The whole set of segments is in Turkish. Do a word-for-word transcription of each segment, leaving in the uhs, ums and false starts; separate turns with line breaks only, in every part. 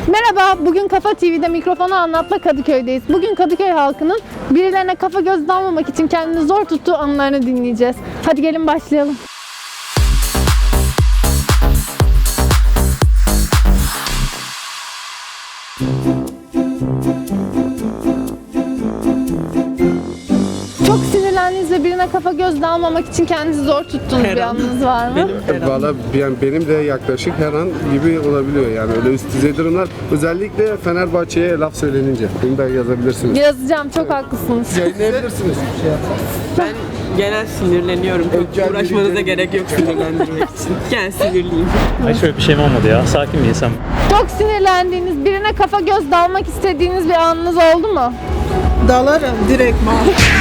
Merhaba, bugün Kafa T V'de Mikrofonu Anlat'la Kadıköy'deyiz. Bugün Kadıköy halkının birilerine kafa göz dalmamak için kendini zor tuttuğu anılarını dinleyeceğiz. Hadi gelin başlayalım. Çok sinirlendiğiniz ve birine kafa göz dalmamak için kendinizi zor tuttuğunuz bir anınız var mı?
Valla yani benim de yaklaşık her an gibi olabiliyor yani öyle üst düzey durumlar. Özellikle Fenerbahçe'ye laf söylenince. Bunu da yazabilirsiniz.
Yazacağım, çok haklısınız.
Yayınlayabilirsiniz.
Ben genel sinirleniyorum. Çok uğraşmanıza gerek yok sinirlendirmek için. Gel sinirliyim.
Ay şöyle bir şeyim olmadı ya. Sakin bir insan.
Çok sinirlendiğiniz, birine kafa göz dalmak istediğiniz bir anınız oldu mu?
Dalarım direktman.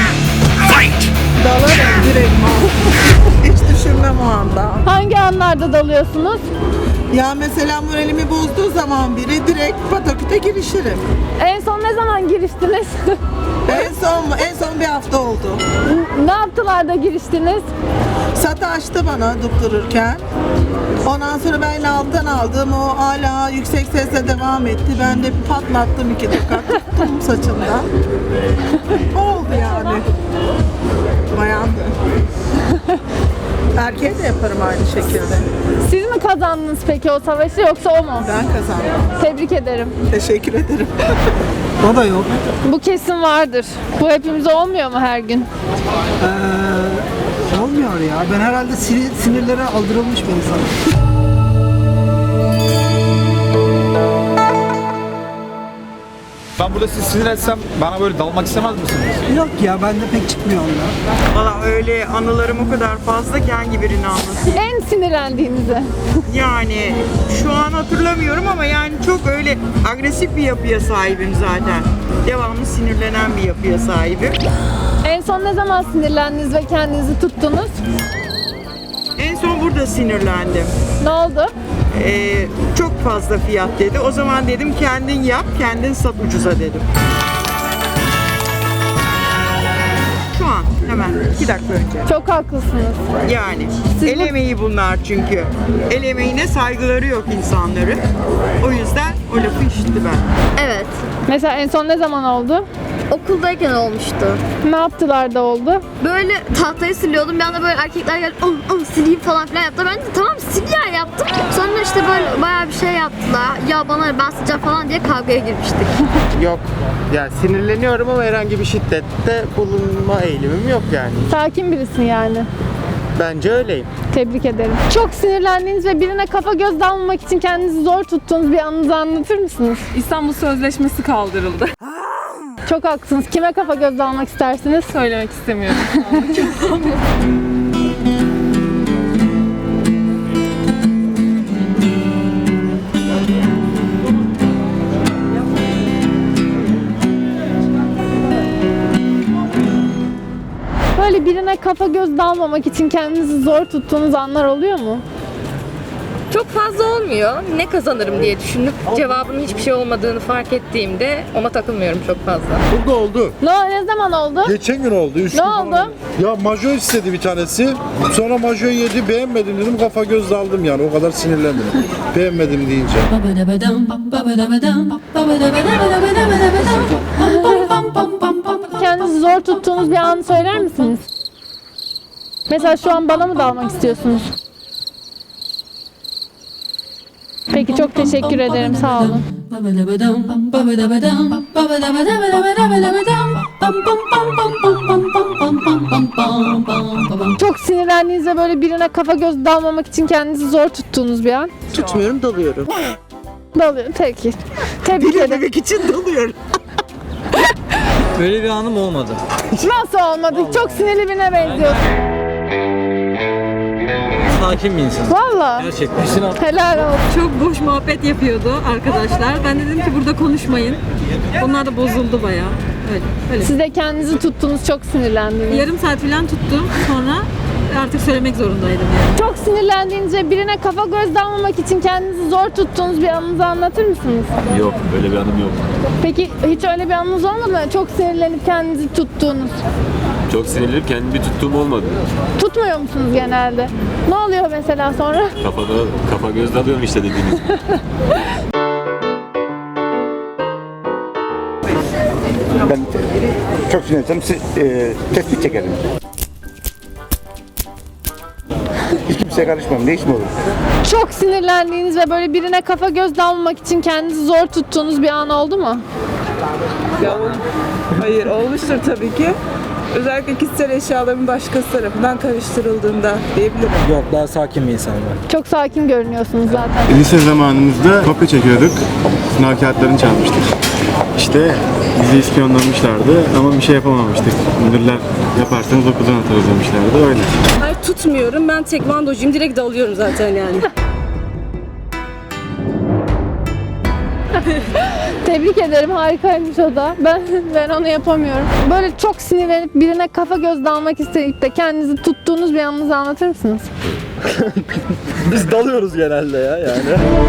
Dalarım direktman. Hiç düşünmem o anda.
Hangi anlarda dalıyorsunuz?
Ya mesela moralimi bozduğu zaman biri direkt pataküte girişirim.
En son ne zaman giriştiniz?
En son en son bir hafta oldu.
Ne yaptılar da giriştiniz?
Satı açtı bana durdururken. Ondan sonra ben alttan aldım. O hala yüksek sesle devam etti. Ben de patlattım iki dakika. Tuttum saçından. Oldu yani. Bayandı. Erkeğe de yaparım aynı şekilde.
Siz mi kazandınız peki o savaşı yoksa o mu?
Ben kazandım.
Tebrik ederim.
Teşekkür ederim. O da yok.
Bu kesin vardır. Bu hepimize olmuyor mu her gün?
Ee, olmuyor ya. Ben herhalde sinir, sinirlere aldırılmış bir insanım.
Ben burada sizi sinir etsem bana böyle dalmak istemez misiniz?
Yok ya, bende pek çıkmıyor onlar.
Valla öyle anılarım o kadar fazla ki hangi birini anlatayım?
En sinirlendiğinizi.
Yani şu an hatırlamıyorum ama yani çok öyle agresif bir yapıya sahibim zaten. Devamlı sinirlenen bir yapıya sahibim.
En son ne zaman sinirlendiniz ve kendinizi tuttunuz?
En son burada sinirlendim.
Ne oldu?
Ee, çok fazla fiyat dedi. O zaman dedim kendin yap, kendin sat ucuza dedim. Şu an hemen iki dakika önce.
Çok haklısınız.
Yani
Siz
el
bu-
emeği bunlar çünkü. El emeğine saygıları yok insanların. O yüzden o lafı işitti ben.
Evet.
Mesela en son ne zaman oldu?
Okuldayken olmuştu.
Ne yaptılar da oldu?
Böyle tahtayı siliyordum. Bir anda böyle erkekler geldi. "Al, al sileyim" falan filan yaptı. Ben de tamam sil ya yaptım. Sonra işte böyle bayağı bir şey yaptılar. Ya bana ben sileceğim falan diye kavgaya girmiştik.
Yok. Yani sinirleniyorum ama herhangi bir şiddette bulunma eğilimim yok yani.
Sakin birisin yani.
Bence öyleyim.
Tebrik ederim. Çok sinirlendiğiniz ve birine kafa göz dalmamak için kendinizi zor tuttuğunuz bir anınızı anlatır mısınız?
İstanbul Sözleşmesi kaldırıldı.
Çok haklısınız. Kime kafa göz dalmak istersiniz?
Söylemek istemiyorum.
Böyle birine kafa göz dalmamak için kendinizi zor tuttuğunuz anlar oluyor mu?
Çok fazla olmuyor. Ne kazanırım diye düşünüp cevabının hiçbir şey olmadığını fark ettiğimde ona takılmıyorum çok fazla.
Burada oldu.
Ne, ne zaman oldu?
Geçen gün oldu. Üç
Ne
gün
oldu?
falan. Ya majo istedi bir tanesi. Sonra majo yedi, beğenmedim dedim, kafa göz daldım yani, o kadar sinirlendim. Beğenmedim deyince.
Kendinizi zor tuttuğunuz bir anı söyler misiniz? Mesela şu an bana mı dalmak istiyorsunuz? Peki, çok teşekkür ederim. Sağ olun. Çok sinirlendiğinizde böyle birine kafa göz dalmamak için kendinizi zor tuttuğunuz bir an.
Tutmuyorum, dalıyorum.
Dalıyor. Peki. Tebrik ederim.
Demek için dalıyorum.
Böyle bir anım olmadı.
Nasıl olmadı? Çok sinirli birine benziyorsun.
Sakin bir insan.
Valla.
Gerçekten.
Helal olsun.
Çok boş muhabbet yapıyordu arkadaşlar. Ben dedim ki burada konuşmayın. Onlar da bozuldu bayağı. Öyle, öyle.
Siz de kendinizi tuttunuz, çok sinirlendiniz.
Yarım saat falan tuttum. Sonra artık söylemek zorundaydım yani.
Çok sinirlendiğinizde birine kafa göz dalmamak için kendinizi zor tuttuğunuz bir anınızı anlatır mısınız?
Yok, böyle bir anım yok.
Peki hiç öyle bir anınız olmadı mı? Çok sinirlenip kendinizi tuttuğunuz.
Çok sinirlenip kendimi bir tuttuğum olmadı.
Tutmuyor musunuz genelde? Ne oluyor mesela sonra?
Kafada, kafa göz dalıyorum işte dediğiniz gibi.
Ben çok sinirlensem e, tespit çekerim. Hiç kimseye karışmam. Ne işim olur?
Çok sinirlendiğiniz ve böyle birine kafa göz dalmamak için kendinizi zor tuttuğunuz bir an oldu mu?
Ya, hayır olmuştur tabii ki. Özellikle kişisel eşyaların başkası tarafından karıştırıldığında diyebilirim.
Yok, daha sakin bir insanım ben.
Çok sakin görünüyorsunuz zaten.
Lise zamanımızda kopya çekiyorduk. Sınav kağıtlarını çalmıştık. İşte bizi ispiyonlamışlardı ama bir şey yapamamıştık. Müdürler yaparsanız okuldan atarız demişlerdi, öyle.
Hayır tutmuyorum. Ben tekvandocuyum. Direkt dalıyorum zaten yani.
Tebrik ederim, harikaymış o da. Ben ben onu yapamıyorum. Böyle çok sinirlenip birine kafa göz dalmak isteyip de kendinizi tuttuğunuz bir anınızı anlatır mısınız?
Biz dalıyoruz genelde ya yani.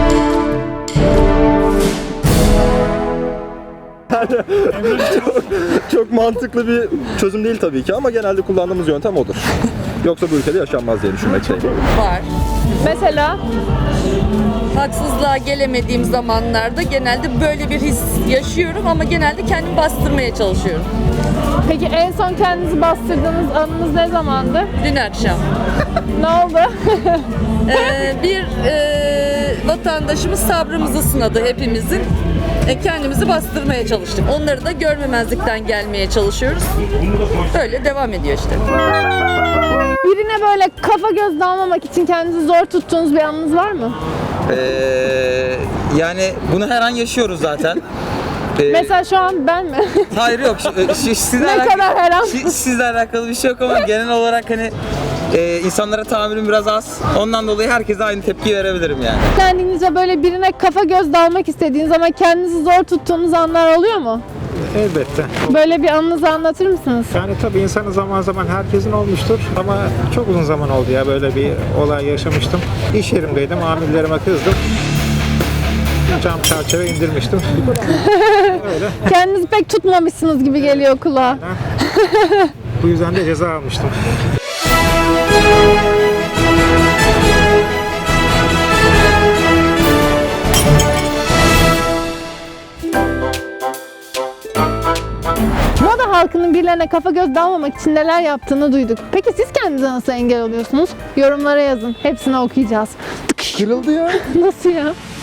çok, çok mantıklı bir çözüm değil tabii ki ama genelde kullandığımız yöntem odur. Yoksa bu ülkede yaşanmaz diye düşünmekteyim.
Var.
Mesela
Haksızlığa gelemediğim zamanlarda genelde böyle bir his yaşıyorum ama genelde kendimi bastırmaya çalışıyorum.
peki en son kendinizi bastırdığınız anınız ne zamandı?
Dün akşam
Ne oldu?
Ee, bir e, vatandaşımız sabrımızı sınadı hepimizin. E, kendimizi bastırmaya çalıştık. Onları da görmemezlikten gelmeye çalışıyoruz. Böyle devam ediyor işte.
Birine böyle kafa göz dalmamak için kendinizi zor tuttuğunuz bir anınız var mı?
Ee, yani bunu her an yaşıyoruz zaten. Ee,
Mesela şu an ben mi?
hayır yok. Şu, şu, sizle
Ne
alakalı,
kadar her an?
şu- sizle alakalı bir şey yok ama genel olarak hani e, insanlara tahammülüm biraz az. Ondan dolayı herkese aynı tepki verebilirim yani.
Kendinizce böyle birine kafa göz dalmak istediğiniz ama kendinizi zor tuttuğunuz anlar oluyor mu?
Elbette.
Böyle bir anınızı anlatır mısınız?
Yani tabii insanın zaman zaman herkesin olmuştur ama çok uzun zaman oldu ya böyle bir olay yaşamıştım. İş yerimdeydim, amirlerime kızdım. Cam çerçeve indirmiştim. Öyle.
Kendinizi pek tutmamışsınız gibi geliyor kulağa.
Bu yüzden de ceza almıştım.
Moda halkının birilerine kafa göz dalmamak için neler yaptığını duyduk. Peki siz kendinize nasıl engel oluyorsunuz? Yorumlara yazın. Hepsini okuyacağız.
Kırıldı ya.
Nasıl ya?